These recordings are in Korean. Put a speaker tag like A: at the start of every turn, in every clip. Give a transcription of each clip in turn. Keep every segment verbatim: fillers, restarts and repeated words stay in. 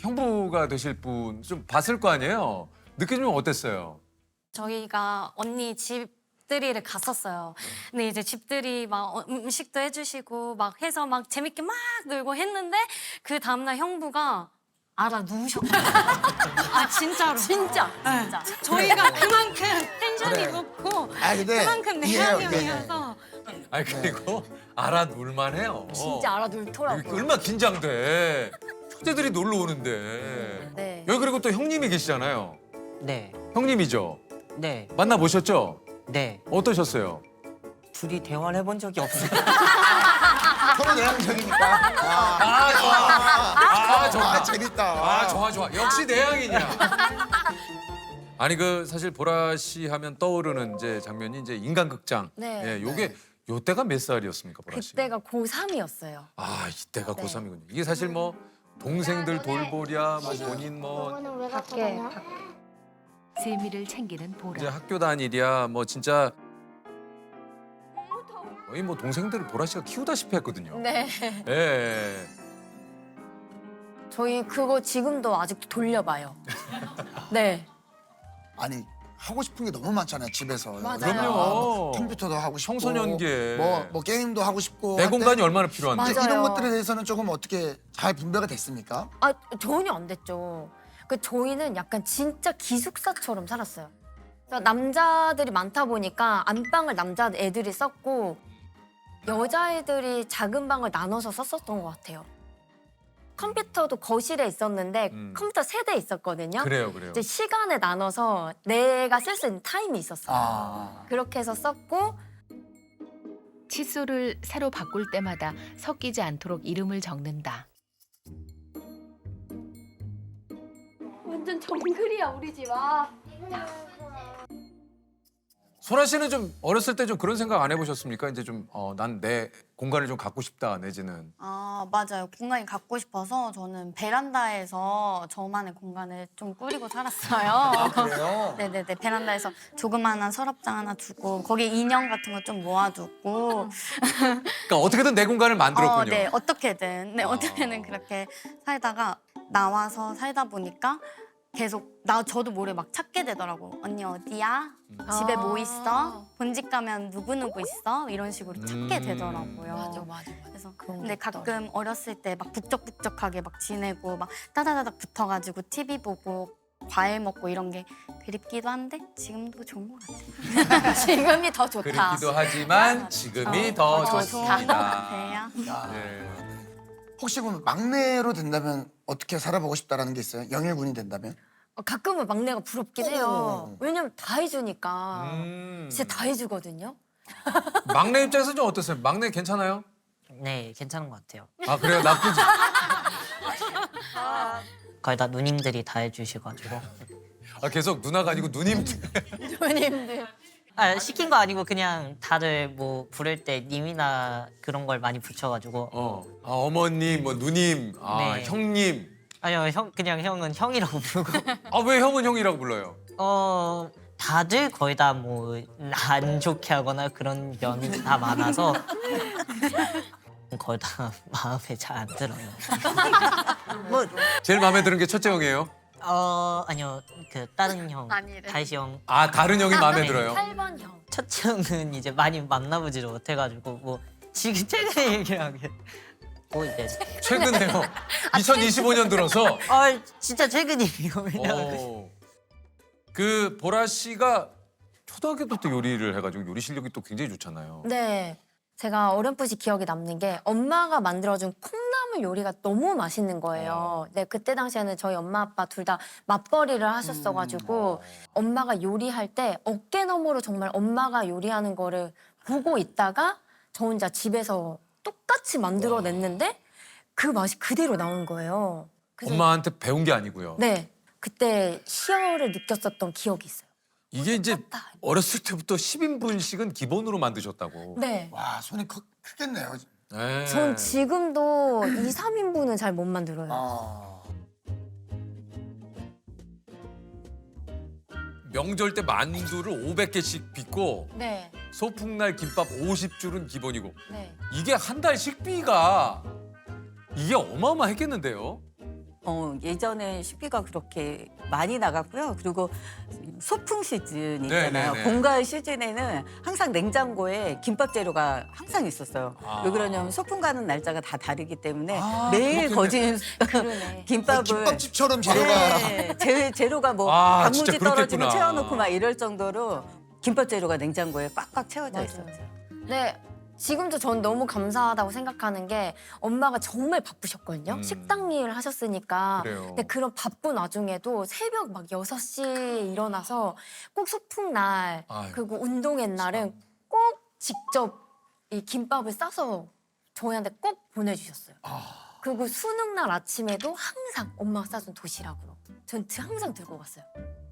A: 형부가 되실 분 좀 봤을 거 아니에요? 느껴지면 어땠어요?
B: 저희가 언니 집들이를 갔었어요. 근데 이제 집들이 막 어- 음식도 해주시고 막 해서 막 재밌게 막 놀고 했는데 그 다음날 형부가 알아 누우셨거든요. 아 진짜로. 진짜. 진짜. 저희가 그만큼 텐션이
C: 그래.
B: 높고
C: 아 근데
B: 그만큼
C: 이해해요,
B: 내향형이어서
A: 아니 그리고 알아둘만 해요.
B: 진짜 알아
A: 이게
B: 누더라고요.
A: 얼마나 긴장돼. 형제들이 놀러 오는데.
B: 네.
A: 여기 그리고 또 형님이 계시잖아요.
D: 네,
A: 형님이죠?
D: 네,
A: 만나보셨죠?
D: 네.
A: 어떠셨어요?
D: 둘이 대화를 해본 적이 없어요.
C: 서로 내향적이니까. 아,
A: 아 좋아. 아
C: 아,
A: 좋아.
C: 재밌다.
A: 아 좋아 좋아. 역시 내향이냐. 아니 그 사실 보라 씨 하면 떠오르는 이제 장면이 이제 인간극장.
B: 네.
A: 예, 요게 요 때가 몇 살이었습니까, 보라 씨?
B: 그때가 고삼이었어요.
A: 아 이때가
B: 네.
A: 고삼이군요. 이게 사실 뭐 동생들 돌보랴, 뭐 본인 뭐
B: 밖에
E: 세미를 챙기는
A: 이제
E: 보라.
A: 학교 다니랴 뭐 진짜 거의 뭐 동생들을 보라 씨가 키우다시피 했거든요.
B: 네.
A: 예.
B: 저희 그거 지금도 아직도 돌려봐요. 네.
C: 아니 하고 싶은 게 너무 많잖아요 집에서.
B: 맞아요.
A: 그럼요.
C: 뭐 컴퓨터도 하고 싶고.
A: 청소년기에.
C: 뭐, 뭐 게임도 하고 싶고.
A: 내
C: 할 때
A: 공간이 얼마나 필요한데.
B: 맞아요.
C: 이런 것들에 대해서는 조금 어떻게 잘 분배가 됐습니까?
B: 아 전혀 안 됐죠. 그 저희는 약간 진짜 기숙사처럼 살았어요. 그래서 남자들이 많다 보니까 안방을 남자 애들이 썼고 여자애들이 작은 방을 나눠서 썼었던 것 같아요. 컴퓨터도 거실에 있었는데
A: 음.
B: 컴퓨터 세 대 있었거든요.
A: 그래요, 그래요.
B: 이제 시간에 나눠서 내가 쓸 수 있는 타임이 있었어요.
C: 아.
B: 그렇게 해서 썼고
E: 칫솔을 새로 바꿀 때마다 섞이지 않도록 이름을 적는다.
B: 완전 정글이야 우리 집. 아.
A: 소라 씨는 좀 어렸을 때 좀 그런 생각 안 해보셨습니까? 이제 좀 어, 난 내 공간을 좀 갖고 싶다 내지는.
F: 아, 맞아요. 공간이 갖고 싶어서 저는 베란다에서 저만의 공간을 좀 꾸리고 살았어요.
C: 그래요?
F: 네네네. 베란다에서 조그마한 서랍장 하나 두고 거기에 인형 같은 거 좀 모아두고
A: 그러니까 어떻게든 내 공간을 만들었군요.
F: 어, 네. 어떻게든. 네,
A: 아.
F: 어떻게든 그렇게 살다가 나와서 살다 보니까 계속 나 저도 모르게 막 찾게 되더라고. 언니 어디야? 집에 뭐 있어? 본집 가면 누구누구 있어? 이런 식으로 찾게
A: 음.
F: 되더라고요.
B: 맞아 맞아.
F: 그래서
B: 그런
F: 근데
B: 게 있더라고요.
F: 가끔 어렸을 때 막 북적북적하게 막 지내고 막 따다다닥 붙어가지고 티비 보고 과일 먹고 이런 게 그립기도 한데 지금도 좋은 것 같아요.
B: 지금이 더 좋다.
A: 그립기도 하지만 지금이
F: 어,
A: 더
F: 더
A: 좋습니다.
F: 좋은 것 같아요.
C: 야.
A: 네.
C: 혹시 그럼 막내로 된다면 어떻게 살아보고 싶다라는 게 있어요? 영일군이 된다면?
B: 어, 가끔은 막내가 부럽긴 해요.
C: 어.
B: 왜냐면 다 해주니까.
A: 음.
B: 진짜 다 해주거든요.
A: 막내 입장에서 좀 어떠세요? 막내 괜찮아요?
D: 네, 괜찮은 것 같아요.
A: 아 그래요? 나쁘지.
D: 거의 다 누님들이 다 해주셔가지고.
A: 아 계속 누나가 아니고 누님.
B: 누님들.
D: 아, 시킨 거 아니고 그냥 다들 뭐 부를 때 님이나 그런 걸 많이 붙여가지고.
A: 어. 아, 어머님, 뭐 누님, 아
D: 네.
A: 형님.
D: 아니요, 형 그냥 형은 형이라고 부르고.
A: 아 왜 형은 형이라고 불러요?
D: 어, 다들 거의 다 뭐 안 좋게 하거나 그런 면이 다 많아서 거의 다 마음에 잘 안 들어요. 뭐,
A: 제일 마음에 드는 게 첫째 형이에요?
D: 어, 아니요, 그 다른 형,
F: 아니래.
D: 다시 형.
A: 아 다른 형이 마음에
D: 네.
A: 들어요?
B: 팔 번 형.
D: 첫째 형은 이제 많이 만나보지를 못해가지고 뭐 지금 최근에 얘기하게 뭐 이제
A: 최근에요. 이천이십오 년 들어서.
D: 아 진짜 최근이에요. 왜냐면
A: 어. 그 보라 씨가 초등학교 때부터 요리를 해가지고 요리 실력이 또 굉장히 좋잖아요.
B: 네. 제가 어렴풋이 기억에 남는 게 엄마가 만들어준 콩나물 요리가 너무 맛있는 거예요. 네, 그때 당시에는 저희 엄마 아빠 둘 다 맞벌이를 하셨어가지고 엄마가 요리할 때 어깨 너머로 정말 엄마가 요리하는 거를 보고 있다가 저 혼자 집에서 똑같이 만들어냈는데 그 맛이 그대로 나온 거예요. 그래서
A: 엄마한테 배운 게 아니고요.
B: 네, 그때 희열을 느꼈었던 기억이 있어요.
A: 이게 이제
B: 똑같다.
A: 어렸을 때부터 십 인분씩은 기본으로 만드셨다고.
B: 네.
C: 와 손이 크, 크겠네요.
A: 네.
B: 전 지금도 이, 삼 인분은 잘 못 만들어요.
C: 아.
A: 명절 때 만두를 오백 개씩 빚고
B: 네,
A: 소풍날 김밥 오십 줄은 기본이고
B: 네.
A: 이게 한 달 식비가 이게 어마어마했겠는데요?
G: 어, 예전에 식비가 그렇게 많이 나갔고요. 그리고 소풍 시즌 있잖아요.
A: 네네네.
G: 봄, 가을 시즌에는 항상 냉장고에 김밥 재료가 항상 있었어요.
A: 아.
G: 왜 그러냐면 소풍 가는 날짜가 다 다르기 때문에
A: 아,
G: 매일
A: 그렇겠네.
G: 거진
B: 그러네.
G: 김밥을
C: 김밥집처럼 재료가
G: 네, 재, 재료가 뭐
A: 아,
G: 단무지
A: 진짜
G: 떨어지면
A: 그렇겠구나.
G: 채워놓고 막 이럴 정도로 김밥 재료가 냉장고에 꽉꽉 채워져
B: 맞아요.
G: 있었죠.
B: 네. 지금도 전 너무 감사하다고 생각하는 게 엄마가 정말 바쁘셨거든요.
A: 음.
B: 식당 일을 하셨으니까.
A: 그래요.
B: 근데 그런 바쁜 와중에도 새벽 막 여섯 시에 일어나서 꼭 소풍 날
A: 아유,
B: 그리고 운동회 날은 꼭 직접 이 김밥을 싸서 저희한테 꼭 보내주셨어요.
A: 아.
B: 그리고 수능 날 아침에도 항상 엄마가 싸준 도시락으로. 전 항상 들고 갔어요.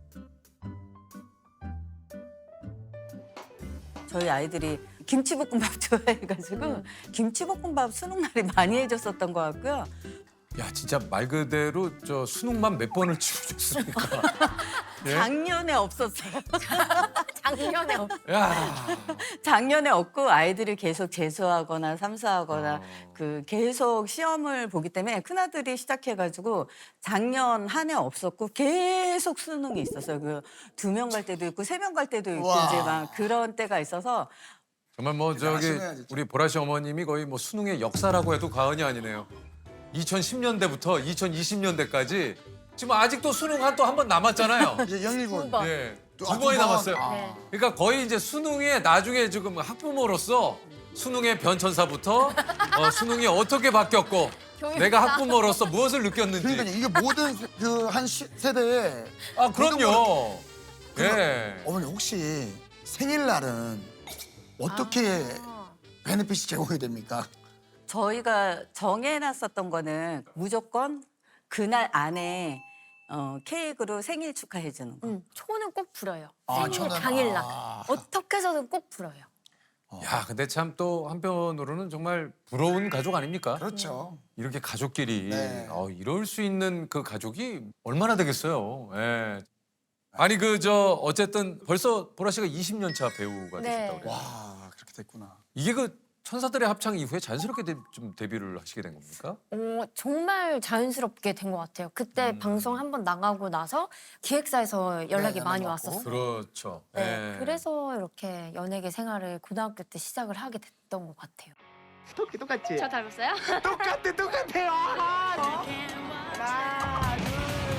G: 저희 아이들이 김치볶음밥 좋아해가지고 김치볶음밥 수능 날에 많이 해줬었던 것 같고요.
A: 야 진짜 말 그대로 저 수능만 몇 번을 치우셨습니까? 예?
G: 작년에 없었어요.
B: 작년에 없-
A: 야.
G: 작년에 없고 아이들이 계속 재수하거나 삼수하거나
A: 어.
G: 그 계속 시험을 보기 때문에 큰아들이 시작해가지고 작년 한 해 없었고 계속 수능이 있었어요. 그 두 명 갈 때도 있고 세 명 갈 때도 있고
C: 우와.
G: 이제 막 그런 때가 있어서
A: 정말 뭐 저기
C: 대단하시네요, 진짜.
A: 우리 보라 씨 어머님이 거의 뭐 수능의 역사라고 해도 과언이 아니네요. 이천십 년대부터 이천이십 년대까지 지금 아직도 수능 한 또 한 번 남았잖아요.
C: 이제 영일군.
B: 번.
A: 예,
C: 또
A: 두
C: 아,
A: 번이
C: 두 번.
A: 남았어요.
C: 아.
B: 네.
A: 그러니까 거의 이제 수능에 나중에 지금 학부모로서 수능의 변천사부터 어, 수능이 어떻게 바뀌었고 내가 학부모로서 무엇을 느꼈는지.
C: 그러니까 이게 모든 그 한 세대에
A: 아 그럼요.
C: 그럼-
A: 예.
C: 어머니 혹시 생일날은 어떻게
B: 아.
C: 베네핏이 제공이 됩니까?
G: 저희가 정해놨었던 거는 무조건 그날 안에 어, 케이크로 생일 축하해 주는 거.
B: 음, 초는 꼭 불어요.
C: 아,
B: 생일
C: 초는-
B: 당일날.
C: 아.
B: 어떻게 해서든 꼭 불어요.
A: 야 근데 참 또 한편으로는 정말 부러운 가족 아닙니까?
C: 그렇죠.
A: 이렇게 가족끼리
C: 네.
A: 어, 이럴 수 있는 그 가족이 얼마나 되겠어요. 예. 아니 그 저 어쨌든 벌써 보라 씨가 이십 년 차 배우가
B: 네.
A: 되셨다고 그래요.
C: 와 그렇게 됐구나.
A: 이게 그 천사들의 합창 이후에 자연스럽게 데, 좀 데뷔를 하시게 된 겁니까?
B: 어, 정말 자연스럽게 된 것 같아요. 그때
A: 음.
B: 방송 한 번 나가고 나서 기획사에서 연락이
C: 네,
B: 많이
C: 연락 왔고.
B: 왔었어요.
A: 그렇죠.
B: 네,
A: 예.
B: 그래서 이렇게 연예계 생활을 고등학교 때 시작을 하게 됐던 것 같아요.
H: 토끼 똑같지?
F: 저 닮았어요?
H: 똑같아 똑같아요. 아, 하나, 둘,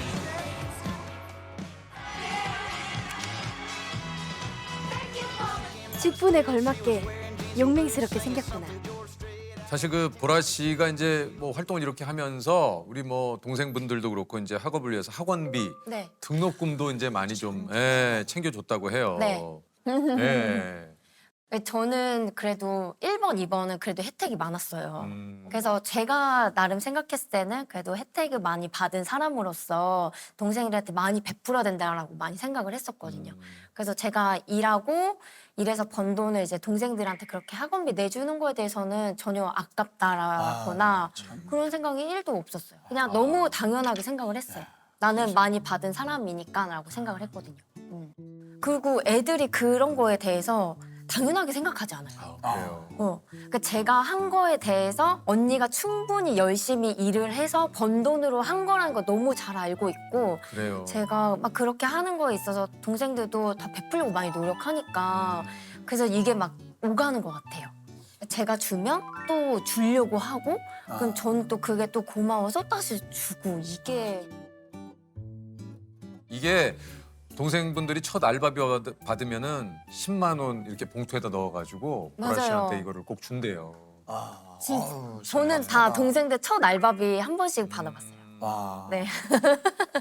I: 직분에 걸맞게 용맹스럽게 생겼구나.
A: 사실 그 보라 씨가 이제 뭐 활동을 이렇게 하면서 우리 뭐 동생분들도 그렇고 이제 학업을 위해서 학원비,
B: 네.
A: 등록금도 이제 많이 좀 예, 챙겨줬다고 해요.
B: 네.
A: 예.
B: 저는 그래도 일 번, 이 번은 그래도 혜택이 많았어요.
A: 음.
B: 그래서 제가 나름 생각했을 때는 그래도 혜택을 많이 받은 사람으로서 동생들한테 많이 베풀어야 된다라고 많이 생각을 했었거든요.
A: 음.
B: 그래서 제가 일하고 일해서 번 돈을 이제 동생들한테 그렇게 학원비 내주는 거에 대해서는 전혀 아깝다라거나
C: 아, 참.
B: 그런 생각이 일도 없었어요. 그냥 너무 당연하게 생각을 했어요. 나는 많이 받은 사람이니까라고 생각을 했거든요. 음. 그리고 애들이 그런 거에 대해서 당연하게 생각하지 않아요.
A: 아, 그래요.
B: 어, 그러니까 제가 한 거에 대해서 언니가 충분히 열심히 일을 해서 번 돈으로 한 거라는 거 너무 잘 알고 있고
A: 그래요.
B: 제가 막 그렇게 하는 거에 있어서 동생들도 다 베풀려고 많이 노력하니까
A: 음.
B: 그래서 이게 막 오가는 것 같아요. 제가 주면 또 주려고 하고 그럼
C: 아.
B: 저는 또 그게 또 고마워서 다시 주고 이게
A: 이게 동생분들이 첫 알바비 받- 받으면은 십만 원 이렇게 봉투에다 넣어가지고 보라
B: 맞아요.
A: 씨한테 이거를 꼭 준대요.
C: 아,
B: 진-
C: 아유,
B: 저는 다
C: 신기하다.
B: 동생들 첫 알바비 한 번씩 받아봤어요.
A: 음.
C: 와.
B: 네.